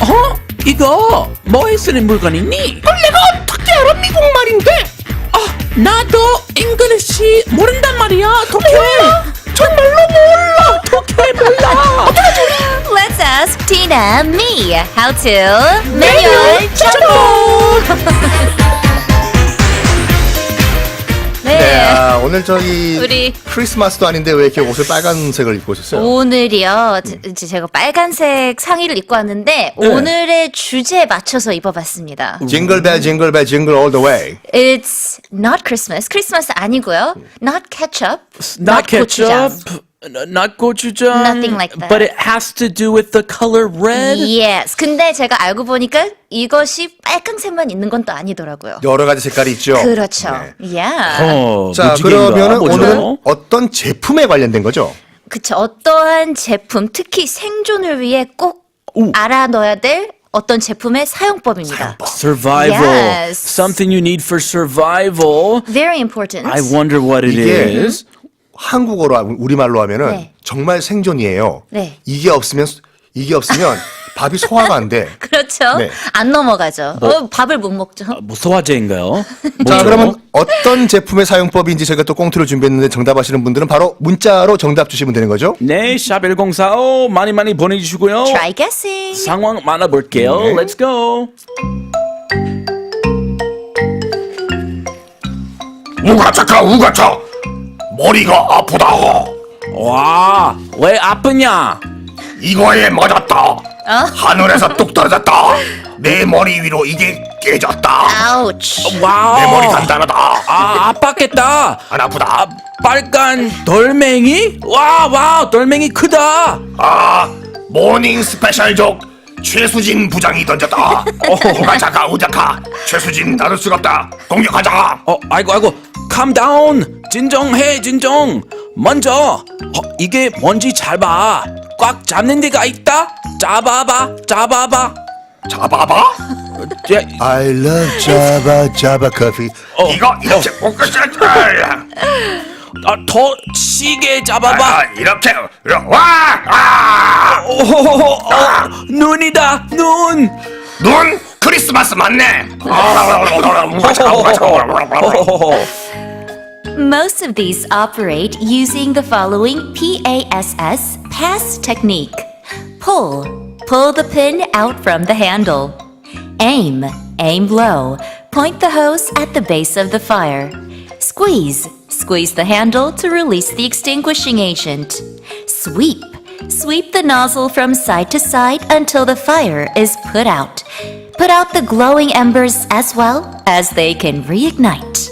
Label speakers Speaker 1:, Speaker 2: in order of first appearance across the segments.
Speaker 1: 이거 뭐에 쓰는 물건이니?
Speaker 2: 내가 어떻게 알아? 미국말인데.
Speaker 1: 나도 잉글리시 모른단 말이야. 도쿄.
Speaker 2: 정말로 몰라.
Speaker 1: 도쿄 몰라.
Speaker 3: Let's ask Tina me how to manual 네.
Speaker 4: 오늘 저희
Speaker 3: 우리
Speaker 4: 크리스마스도 아닌데 왜 이렇게 옷을 빨간색을 입고 오셨어요?
Speaker 3: 오늘이요. 제가 빨간색 상의를 입고 왔는데 오늘의 주제에 맞춰서 입어봤습니다.
Speaker 4: 징글벨 징글벨 징글 all the way.
Speaker 3: It's not Christmas. 크리스마스 아니고요. Not ketchup.
Speaker 1: Not
Speaker 3: 고추장.
Speaker 1: ketchup. Not gochujang.
Speaker 3: Nothing like that.
Speaker 1: But it has to do with the color red.
Speaker 3: Yes. 근데 제가 알고 보니까 이것이 빨강색만 있는 건 또 아니더라고요.
Speaker 4: 여러 가지 색깔이 있죠.
Speaker 3: 그렇죠.
Speaker 4: 네.
Speaker 3: Yeah.
Speaker 4: 자,
Speaker 1: 무지개인가?
Speaker 4: 그러면은
Speaker 1: 뭐죠?
Speaker 4: 오늘은 어떤 제품에 관련된 거죠?
Speaker 3: 그쵸. 어떠한 제품, 특히 생존을 위해 꼭 알아둬야 될 어떤 제품의 사용법입니다.
Speaker 1: Survival.
Speaker 3: Yes.
Speaker 1: Something you need for survival.
Speaker 3: Very important.
Speaker 1: I wonder what it
Speaker 4: 이게
Speaker 1: is.
Speaker 4: 한국어로 우리말로 하면은
Speaker 3: 네.
Speaker 4: 정말 생존이에요.
Speaker 3: 네.
Speaker 4: 이게 없으면 밥이 소화가 안 돼.
Speaker 3: 그렇죠.
Speaker 4: 네.
Speaker 3: 안 넘어가죠. 밥을 못 먹죠.
Speaker 1: 뭐 소화제인가요?
Speaker 4: 자,
Speaker 1: 뭐죠?
Speaker 4: 그러면 어떤 제품의 사용법인지 저희가 또 꽁트를 준비했는데 정답하시는 분들은 바로 문자로 정답 주시면 되는 거죠?
Speaker 1: 네, 샵 1045 많이 보내주시고요.
Speaker 3: Try guessing.
Speaker 1: 상황 만나볼게요.
Speaker 4: 네.
Speaker 1: Let's go.
Speaker 2: 우가차카 우가차. 머리가 아프다.
Speaker 1: 와, 왜 아프냐?
Speaker 2: 이거에 맞았다. 하늘에서 뚝 떨어졌다. 내 머리 위로 이게 깨졌다.
Speaker 3: Ouch.
Speaker 1: 와우.
Speaker 2: 내 머리 단단하다.
Speaker 1: 아팠겠다.
Speaker 2: 안 아프다.
Speaker 1: 빨간 돌멩이? 와우, 돌멩이 크다.
Speaker 2: 모닝 스페셜족 최수진 부장이 던졌다. 우가차카 우자카. 최수진 나를 수가 없다. 공격하자.
Speaker 1: 아이고, calm down. 진정. 먼저, 이게 뭔지 잘 봐. 꽉 잡는 데가 있다. 잡아봐.
Speaker 2: 잡아봐.
Speaker 1: 야,
Speaker 4: I love Java Coffee.
Speaker 2: 이거 이렇게
Speaker 1: 더 시게 잡아봐.
Speaker 2: 이렇게 와.
Speaker 1: 눈이다, 눈.
Speaker 2: 눈 크리스마스 맞네.
Speaker 3: Most of these operate using the following PASS pass technique. Pull the pin out from the handle. Aim low. Point the hose at the base of the fire. Squeeze the handle to release the extinguishing agent. Sweep the nozzle from side to side until the fire is put out. Put out the glowing embers as well as they can reignite.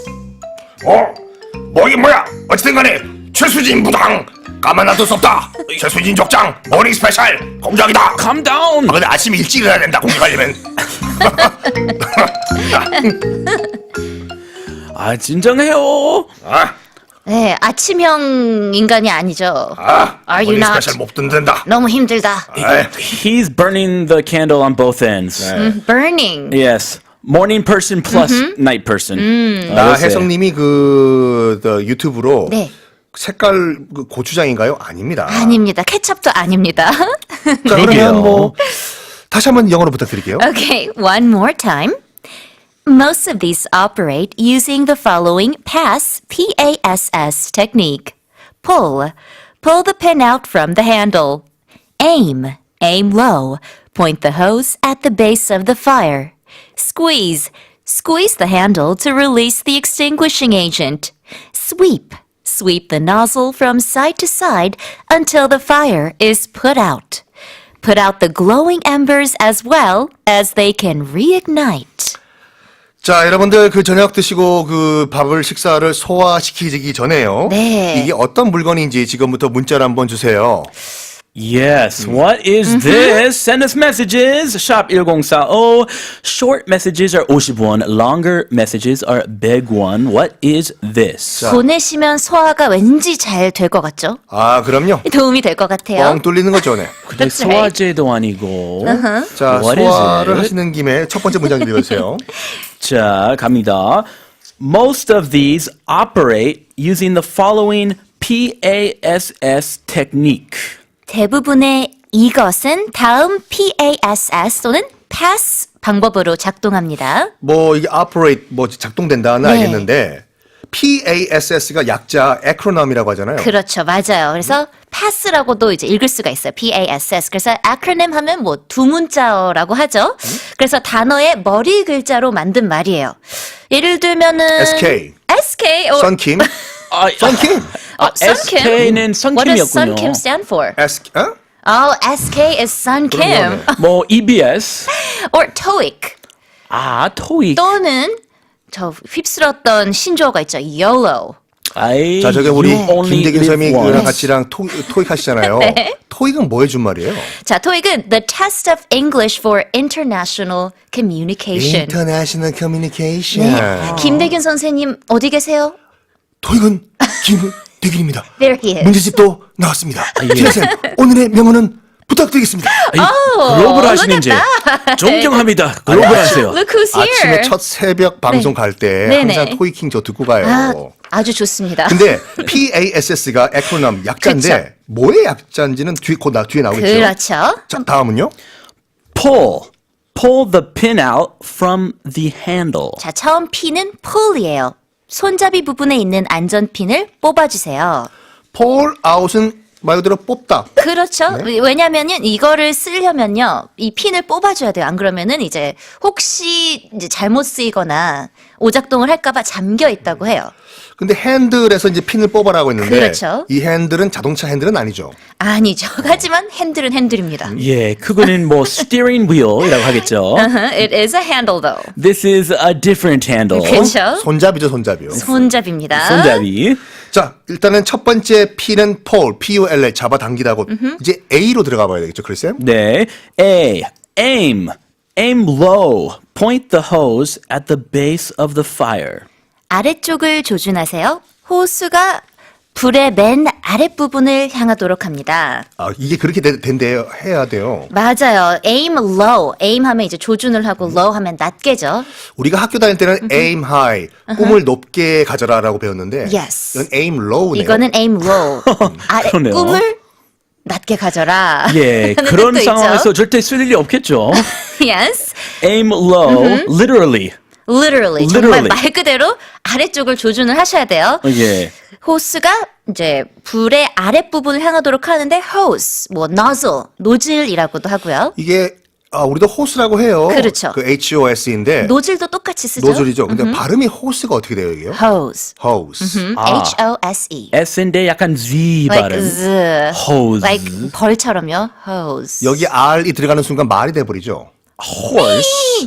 Speaker 2: 뭐긴 뭐야. 어쨌든 간에 최수진 부장 가만놔둘 수 없다. 최수진 족장 모닝 스페셜 공작이다.
Speaker 1: Calm down.
Speaker 2: 근데 아침 일찍 일어나야 된다 공격하려면.
Speaker 1: 진정해요.
Speaker 3: 네, 아침형 인간이 아니죠. Are you
Speaker 2: 모닝
Speaker 3: not?
Speaker 2: 스페셜 못 듣는다.
Speaker 3: 너무 힘들다.
Speaker 1: He's burning the candle on both ends.
Speaker 3: Burning.
Speaker 1: Yes. Morning person plus night person.
Speaker 4: 나 혜성님이 유튜브로
Speaker 3: 네.
Speaker 4: 색깔 고추장인가요? 아닙니다.
Speaker 3: 아닙니다. 케첩도 아닙니다.
Speaker 4: 자,
Speaker 1: 그러게요.
Speaker 4: 그러면 다시 한번 영어로 부탁드릴게요.
Speaker 3: Okay, one more time. Most of these operate using the following PASS technique. Pull the pin out from the handle. Aim low. Point the hose at the base of the fire. Squeeze the handle to release the extinguishing agent. Sweep the nozzle from side to side until the fire is put out. Put out the glowing embers as well as they can reignite.
Speaker 4: 자, 여러분들 저녁 드시고 식사를 소화시키기 전에요.
Speaker 3: 네.
Speaker 4: 이게 어떤 물건인지 지금부터 문자를 한번 주세요.
Speaker 1: Yes. What is this? Send us messages. Shop 1045. Short messages are 50won. Longer messages are big one. What is this?
Speaker 3: 보내시면 소화가 왠지 잘 될 것 같죠?
Speaker 4: 아, 그럼요.
Speaker 3: 도움이 될 것 같아요.
Speaker 4: 뻥 뚫리는 거죠, 네.
Speaker 1: 근데
Speaker 3: That's right.
Speaker 1: 소화제도 아니고.
Speaker 4: 자,
Speaker 1: What is
Speaker 4: 소화를
Speaker 1: it?
Speaker 4: 하시는 김에 첫 번째 문장 읽어주세요.
Speaker 1: 자, 갑니다. Most of these operate using the following PASS technique.
Speaker 3: 대부분의 이것은 다음 PASS 또는 pass 방법으로 작동합니다.
Speaker 4: 뭐 이게 operate 뭐 작동된다는
Speaker 3: 네.
Speaker 4: 알겠는데 PASS가 약자 acronym이라고 하잖아요.
Speaker 3: 그렇죠. 맞아요. 그래서 pass라고도 이제 읽을 수가 있어요. PASS. 그래서 acronym 하면 뭐 두 문자어라고 하죠. 그래서 단어의 머리 글자로 만든 말이에요. 예를 들면은
Speaker 4: SK.
Speaker 3: SK or
Speaker 4: 썬킴.
Speaker 1: 아,
Speaker 4: 썬킴.
Speaker 3: Sunkim.
Speaker 1: SK는
Speaker 3: What does
Speaker 1: 선킴이었군요.
Speaker 3: Sunkim stand for?
Speaker 4: 어?
Speaker 3: Oh, SK is Sunkim.
Speaker 4: 그러네.
Speaker 1: 뭐 EBS.
Speaker 3: or TOEIC.
Speaker 1: 아, 토익.
Speaker 3: 또는 저 휩쓸었던 신조어가 있죠. YOLO.
Speaker 1: 아이,
Speaker 4: 자, 저기 우리
Speaker 1: you only
Speaker 4: 김대균
Speaker 1: live
Speaker 4: 쌤이
Speaker 1: once.
Speaker 4: 그랑 같이랑 토익 하시잖아요.
Speaker 3: 네.
Speaker 4: 토익은 뭐 해준 말이에요?
Speaker 3: 자, TOEIC은 The Test of English for International Communication.
Speaker 4: International Communication.
Speaker 3: 네. 김대균 선생님 어디 계세요?
Speaker 4: 토익은 김대균입니다.
Speaker 3: There he is.
Speaker 4: 문제집도 나왔습니다. 김쌤 오늘의 명언은 부탁드리겠습니다.
Speaker 1: 글로벌 하시는지 존경합니다. 글로벌 하세요.
Speaker 3: Look who's here.
Speaker 4: 아침에 첫 새벽 방송 갈 때
Speaker 3: 네네.
Speaker 4: 항상 토익킹 저 듣고 가요.
Speaker 3: 아, 아주 좋습니다.
Speaker 4: 근데 PASS가 acronym 약자인데
Speaker 3: 그쵸.
Speaker 4: 뭐의 약자인지는 뒤에 나오겠죠.
Speaker 3: 그렇죠.
Speaker 4: 자, 다음은요.
Speaker 1: Pull the pin out from the handle.
Speaker 3: 자, 처음 P는 pull이에요. 손잡이 부분에 있는 안전핀을 뽑아주세요.
Speaker 4: pull out은 말 그대로 뽑다.
Speaker 3: 그렇죠.
Speaker 4: 네.
Speaker 3: 왜냐면은 이거를 쓰려면요, 이 핀을 뽑아줘야 돼요. 안 그러면은 이제 혹시 이제 잘못 쓰이거나 오작동을 할까봐 잠겨 있다고 해요.
Speaker 4: 근데 핸들에서 이제 핀을 뽑아라고 했는데
Speaker 3: 그렇죠.
Speaker 4: 이 핸들은 자동차 핸들은 아니죠.
Speaker 3: 아니죠. 하지만 핸들은 핸들입니다.
Speaker 1: 예, 그거는 뭐 steering wheel이라고 하겠죠.
Speaker 3: It is a handle though.
Speaker 1: This is a different handle.
Speaker 3: 그렇죠.
Speaker 4: 손잡이죠, 손잡이요.
Speaker 3: 손잡이입니다.
Speaker 1: 손잡이.
Speaker 4: 자, 일단은 첫 번째 P는 pull, P-U-L-L, 잡아당기다고. 이제 A로 들어가 봐야 되겠죠, 크리스쌤?
Speaker 1: 네. Aim low. Point the hose at the base of the fire.
Speaker 3: 아래쪽을 조준하세요. 호수가 불의 맨 아랫부분을 향하도록 합니다.
Speaker 4: 아, 이게 그렇게 된대요. 해야 돼요.
Speaker 3: 맞아요. aim low. aim 하면 이제 조준을 하고 low 하면 낮게죠.
Speaker 4: 우리가 학교 다닐 때는 aim high, 꿈을 높게 가져라라고 배웠는데
Speaker 3: Yes.
Speaker 4: 이건 aim low네요.
Speaker 3: 이거는 aim low. 아래
Speaker 1: 그러네요.
Speaker 3: 꿈을 낮게 가져라.
Speaker 1: 예,
Speaker 3: 하는
Speaker 1: 그런
Speaker 3: 뜻도
Speaker 1: 상황에서
Speaker 3: 있죠.
Speaker 1: 절대 쓸 일이 없겠죠.
Speaker 3: Yes.
Speaker 1: Aim low, literally.
Speaker 3: Literally. 정말
Speaker 1: Literally.
Speaker 3: 말 그대로 아래쪽을 조준을 하셔야 돼요.
Speaker 1: 예.
Speaker 3: 호스가 이제 불의 아랫부분을 향하도록 하는데 hose, 뭐 nozzle, 노즐이라고도 하고요.
Speaker 4: 이게 우리도 호스라고 해요.
Speaker 3: 그렇죠.
Speaker 4: 그 HOS인데
Speaker 3: 노즐도 똑같이 쓰죠.
Speaker 4: 노즐이죠. 근데 발음이 호스가 어떻게 돼요, 이게요?
Speaker 3: hose.
Speaker 4: hose.
Speaker 3: H-O-S-E.
Speaker 1: S인데 약간 Z
Speaker 3: Like
Speaker 1: 발음.
Speaker 3: z.
Speaker 1: Hose.
Speaker 3: Like 벌처럼요. hose.
Speaker 4: 여기 R이 들어가는 순간 말이 돼버리죠.
Speaker 1: Horse.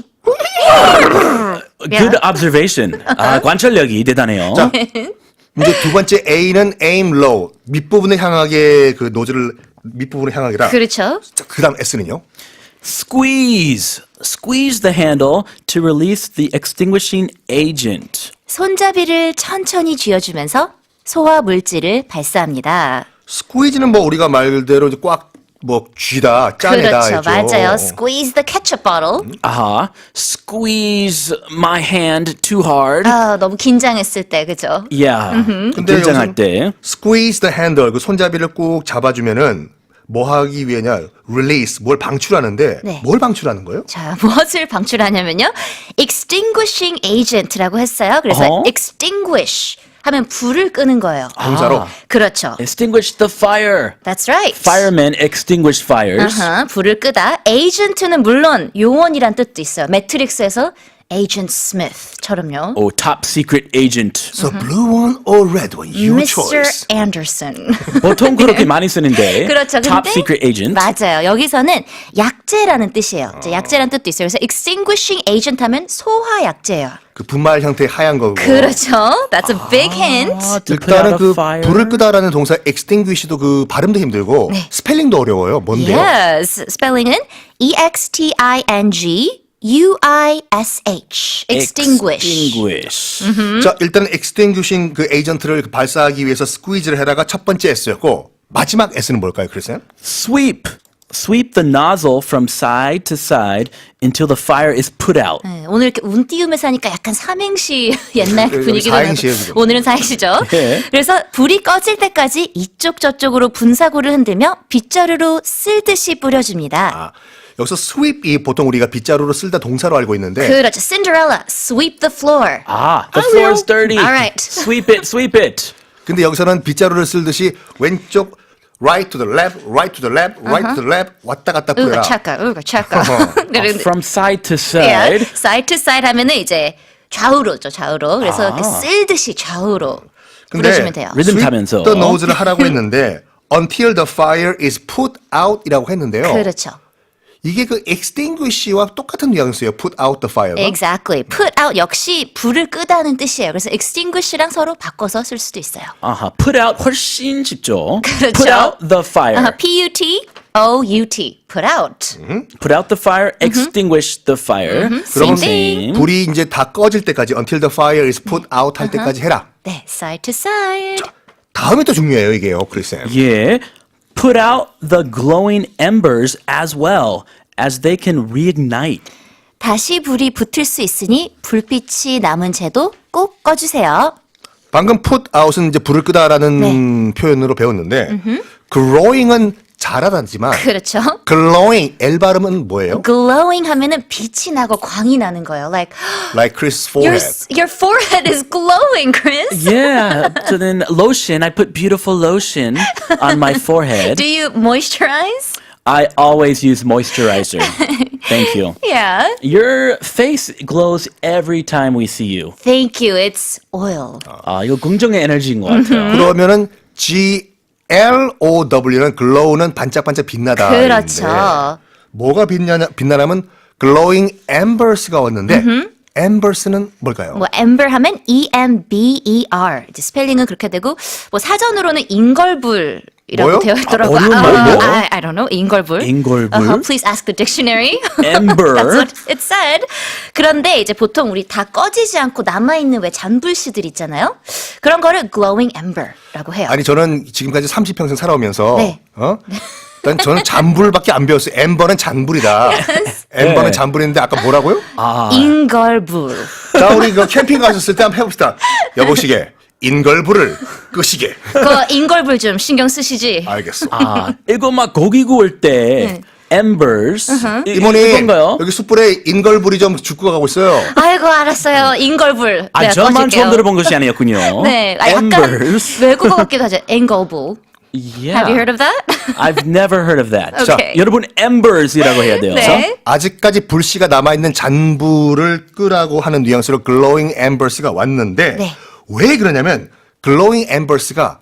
Speaker 1: Good observation. 아, 관찰력이 대단해요.
Speaker 4: 자, 이제 두 번째 A는 aim low, 밑부분을 향하게 그 노즐을 밑부분을 향하게라.
Speaker 3: 그렇죠.
Speaker 4: 그 다음 S는요?
Speaker 1: Squeeze the handle to release the extinguishing agent.
Speaker 3: 손잡이를 천천히 쥐어주면서 소화 물질을 발사합니다.
Speaker 4: 스퀴즈는 뭐 우리가 말대로 이제 꽉 뭐 쥐다, 짜내다
Speaker 3: 그렇죠.
Speaker 4: 했죠.
Speaker 3: 맞아요. Squeeze the ketchup bottle.
Speaker 1: 아하. Squeeze my hand too hard.
Speaker 3: 아, 너무 긴장했을 때, 그죠?
Speaker 1: Yeah.
Speaker 4: 근데
Speaker 1: 긴장할
Speaker 4: 여기서
Speaker 1: 때.
Speaker 4: squeeze the handle, 그 손잡이를 꾹 잡아주면은 뭐 하기 위해냐? release, 뭘 방출하는데
Speaker 3: 네.
Speaker 4: 뭘 방출하는 거예요?
Speaker 3: 자, 무엇을 방출하냐면요. extinguishing agent라고 했어요. 그래서
Speaker 1: 어허.
Speaker 3: extinguish 하면 불을 끄는 거예요.
Speaker 4: 동사로.
Speaker 3: 그렇죠.
Speaker 1: Extinguish the fire.
Speaker 3: That's right.
Speaker 1: Firemen extinguish fires.
Speaker 3: 불을 끄다. agent는 물론 요원이란 뜻도 있어요. 매트릭스에서 Agent Smith처럼요.
Speaker 1: Oh, top secret agent.
Speaker 4: So blue one or red one, your
Speaker 3: Mr.
Speaker 4: choice.
Speaker 3: Anderson.
Speaker 1: 보통 그렇게 많이 쓰는데.
Speaker 3: 그렇죠.
Speaker 1: Top
Speaker 3: 근데
Speaker 1: secret agent.
Speaker 3: 맞아요. 여기서는 약재라는 뜻이에요. 이제 약재라는 뜻도 있어요. 그래서 extinguishing agent 하면 소화 약재예요.
Speaker 4: 그 분말 형태의 하얀 거고.
Speaker 3: 그렇죠. That's a big hint.
Speaker 1: To put out
Speaker 4: 일단은
Speaker 1: a
Speaker 4: 그
Speaker 1: fire.
Speaker 4: 불을 끄다라는 동사 extinguish도 그 발음도 힘들고 스펠링도 어려워요. 뭔데요?
Speaker 3: Yes. 스펠링은 E-X-T-I-N-G-U-I-S-H. Extinguish.
Speaker 1: Extinguish.
Speaker 4: 자, 일단은 extinguishing 그 에이전트를 발사하기 위해서 squeeze를 해다가 첫 번째 S였고 마지막 S는 뭘까요, 크리스요?
Speaker 1: Sweep. Sweep the nozzle from side to side until the fire is put out.
Speaker 3: 네, 오늘 이렇게 운 띄우면서 하니까 약간 삼행시 옛날
Speaker 4: 여기
Speaker 3: 분위기가
Speaker 4: 사행시예요,
Speaker 3: 나고
Speaker 4: 지금.
Speaker 3: 오늘은 사행시죠.
Speaker 1: 예.
Speaker 3: 그래서 불이 꺼질 때까지 이쪽 저쪽으로 분사구를 흔들며 빗자루로 쓸듯이 뿌려줍니다.
Speaker 4: 아, 여기서 sweep이 보통 우리가 빗자루로 쓸다 동사로 알고 있는데
Speaker 3: 그렇죠. Cinderella, sweep the floor.
Speaker 1: Ah, the
Speaker 3: I
Speaker 1: floor
Speaker 3: will.
Speaker 1: is dirty.
Speaker 3: All right.
Speaker 1: Sweep it, sweep it.
Speaker 4: 근데 여기서는 빗자루를 쓸듯이 왼쪽 right to the left, right to the left, right to the left 왔다 갔다 뿌려라.
Speaker 3: 우가 차까.
Speaker 1: From side to
Speaker 3: yeah,
Speaker 1: side.
Speaker 3: side to side 하면은 이제 좌우로죠, 좌우로. 그래서 이렇게 쓸듯이 좌우로 뿌려주면 돼요.
Speaker 1: 리듬
Speaker 4: sweep
Speaker 1: 타면서.
Speaker 4: the nose를 하라고 했는데 until the fire is put out이라고 했는데요.
Speaker 3: 그렇죠.
Speaker 4: 이게 그 extinguish와 똑같은 뉘앙스예요. put out the fire가.
Speaker 3: Exactly. Put out 역시 불을 끄다는 뜻이에요. 그래서 extinguish랑 서로 바꿔서 쓸 수도 있어요.
Speaker 1: 아하, put out 훨씬 쉽죠.
Speaker 3: 그렇죠.
Speaker 1: Put out the fire.
Speaker 3: P-U-T-O-U-T. Put out.
Speaker 1: Put out the fire, extinguish the fire.
Speaker 3: Same thing.
Speaker 4: 불이 이제 다 꺼질 때까지 until the fire is put out 할 때까지 해라.
Speaker 3: 네, side to side.
Speaker 4: 다음이 또 중요해요, 이게요, 크리스쌤.
Speaker 1: Yeah. Put out the glowing embers as well, as they can reignite.
Speaker 3: 다시 불이 붙을 수 있으니 불빛이 남은 채도 꼭 꺼주세요.
Speaker 4: 방금 put out은 이제 불을 끄다라는 표현으로 배웠는데 glowing은 잘하다지만
Speaker 3: 그렇죠.
Speaker 4: glowing L 발음은 뭐예요?
Speaker 3: glowing 하면은 빛이 나고 광이 나는 거예요. Like
Speaker 4: Like Chris'
Speaker 3: your
Speaker 4: forehead.
Speaker 3: forehead is glowing, Chris.
Speaker 1: Yeah. So then lotion, I put beautiful lotion on my forehead.
Speaker 3: Do you moisturize?
Speaker 1: I always use moisturizer. Thank you.
Speaker 3: Yeah.
Speaker 1: Your face glows every time we see you.
Speaker 3: Thank you. It's oil.
Speaker 1: 아, 이거 긍정의 에너지인 것 같아요.
Speaker 4: 그러면은 Glow는 glow는 반짝반짝 빛나다.
Speaker 3: 그렇죠.
Speaker 4: 뭐가 빛나냐면 glowing embers가 왔는데 embers는 뭘까요?
Speaker 3: 뭐 ember 하면 E-M-B-E-R. 이제 스펠링은 그렇게 되고 뭐 사전으로는 인걸불이라고
Speaker 4: 뭐요?
Speaker 3: 되어 있더라고요.
Speaker 1: 어려운 뭐?
Speaker 3: I don't know. 인걸불.
Speaker 1: 인걸불?
Speaker 3: Please ask the dictionary.
Speaker 1: Ember.
Speaker 3: That's what it said. 그런데 이제 보통 우리 다 꺼지지 않고 남아있는 왜 잔불씨들 있잖아요. 그런 거를 glowing ember라고 해요.
Speaker 4: 아니 저는 지금까지 30평생 살아오면서
Speaker 3: 네.
Speaker 4: 일단 저는 잔불밖에 안 배웠어요. 엠버는 잔불이다. 엠버는
Speaker 1: 네.
Speaker 4: 잔불인데 아까 뭐라고요?
Speaker 3: 인걸불.
Speaker 4: 자 우리 그 캠핑 가셨을 때 한번 해봅시다. 여보시게 인걸불을 끄시게.
Speaker 3: 그 인걸불 좀 신경 쓰시지.
Speaker 4: 알겠어.
Speaker 1: 아, 이거 막 고기 구울 때 embers
Speaker 4: 이모님
Speaker 1: 이건가요?
Speaker 4: 여기 숯불에 인걸불이 좀 죽고 가고 있어요.
Speaker 3: 아이고 알았어요. 인걸불.
Speaker 1: 아,
Speaker 3: 내가
Speaker 1: 저만
Speaker 3: 꺼질게요.
Speaker 1: 처음 들어본 것이 아니었군요.
Speaker 3: 네, 약간
Speaker 1: embers.
Speaker 3: 외국어 같기도 하죠. 인걸불.
Speaker 1: Yeah.
Speaker 3: Have you heard of that?
Speaker 1: I've never heard of that.
Speaker 3: Okay.
Speaker 1: 자, 여러분 embers이라고 해야 돼요.
Speaker 3: 네.
Speaker 4: 아직까지 불씨가 남아있는 잔불을 끄라고 하는 뉘앙스로 glowing embers가 왔는데
Speaker 3: 네.
Speaker 4: 왜 그러냐면 glowing embers가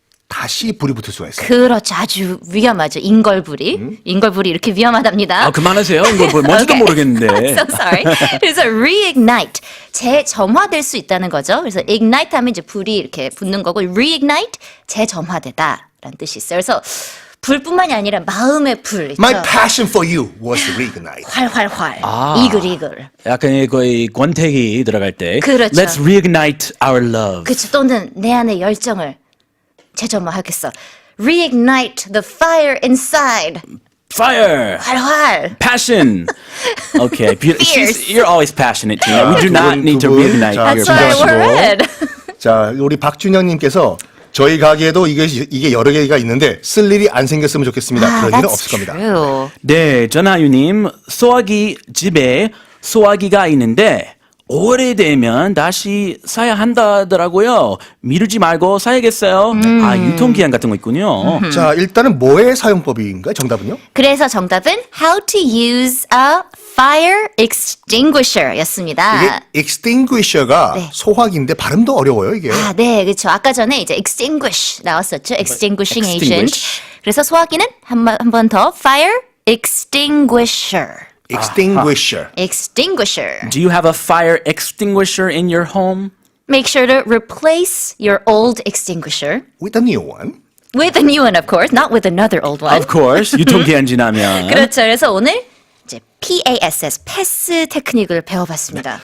Speaker 4: 다시 불이 붙을 수가 있어요.
Speaker 3: 그렇죠. 아주 위험하죠. 인걸불이. 인걸불이 이렇게 위험하답니다.
Speaker 1: 아, 그만하세요. 이거 뭐 뭔지도
Speaker 3: Okay.
Speaker 1: 모르겠는데.
Speaker 3: So sorry. 그래서 reignite. 재점화될 수 있다는 거죠. 그래서 ignite 하면 이제 불이 이렇게 붙는 거고 reignite 재점화되다라는 뜻이 있어요. 그래서 불뿐만이 아니라 마음의 불 있죠.
Speaker 4: My passion for you was reignite.
Speaker 3: 활활활.
Speaker 1: 아.
Speaker 3: 이글이글.
Speaker 1: 약간 거의 권태기 들어갈 때.
Speaker 3: 그렇죠.
Speaker 1: Let's reignite our love.
Speaker 3: 그치 또는 내 안의 열정을 재점화하겠어. Reignite the fire inside.
Speaker 1: Fire.
Speaker 3: 활활.
Speaker 1: Passion. Okay.
Speaker 3: Fierce.
Speaker 1: You're always passionate, Tina. We do
Speaker 4: 두
Speaker 1: not
Speaker 4: 분,
Speaker 1: need to
Speaker 4: 두 분.
Speaker 1: reignite
Speaker 4: 자,
Speaker 1: your
Speaker 3: That's why
Speaker 1: passion.
Speaker 3: we're red.
Speaker 4: 자, 우리 박준영님께서 저희 가게에도 이게 여러 개가 있는데 쓸 일이 안 생겼으면 좋겠습니다. 그런 일은
Speaker 3: that's
Speaker 4: 없을 겁니다.
Speaker 3: true.
Speaker 1: 네, 전하유님, 소화기 집에 소화기가 있는데 오래되면 다시 사야 한다더라고요. 미루지 말고 사야겠어요. 아, 유통기한 같은 거 있군요.
Speaker 4: 자, 일단은 뭐의 사용법인가요? 정답은요?
Speaker 3: 그래서 정답은 how to use a fire extinguisher였습니다.
Speaker 4: 이게 extinguisher가
Speaker 3: 네.
Speaker 4: 소화기인데 발음도 어려워요, 이게.
Speaker 3: 아, 네, 그렇죠. 아까 전에 이제 extinguish 나왔었죠. extinguishing agent.
Speaker 1: extinguish.
Speaker 3: 그래서 소화기는 한 번 더 fire extinguisher.
Speaker 4: extinguisher.
Speaker 3: extinguisher.
Speaker 1: Do you have a fire extinguisher in your home?
Speaker 3: Make sure to replace your old extinguisher
Speaker 4: with a new one.
Speaker 3: with a new one, of course, not with another old one.
Speaker 1: Of course. 유통기한 지나면.
Speaker 3: 그렇죠. 그래서 오늘 이제 PASS, 패스 테크닉을 배워봤습니다.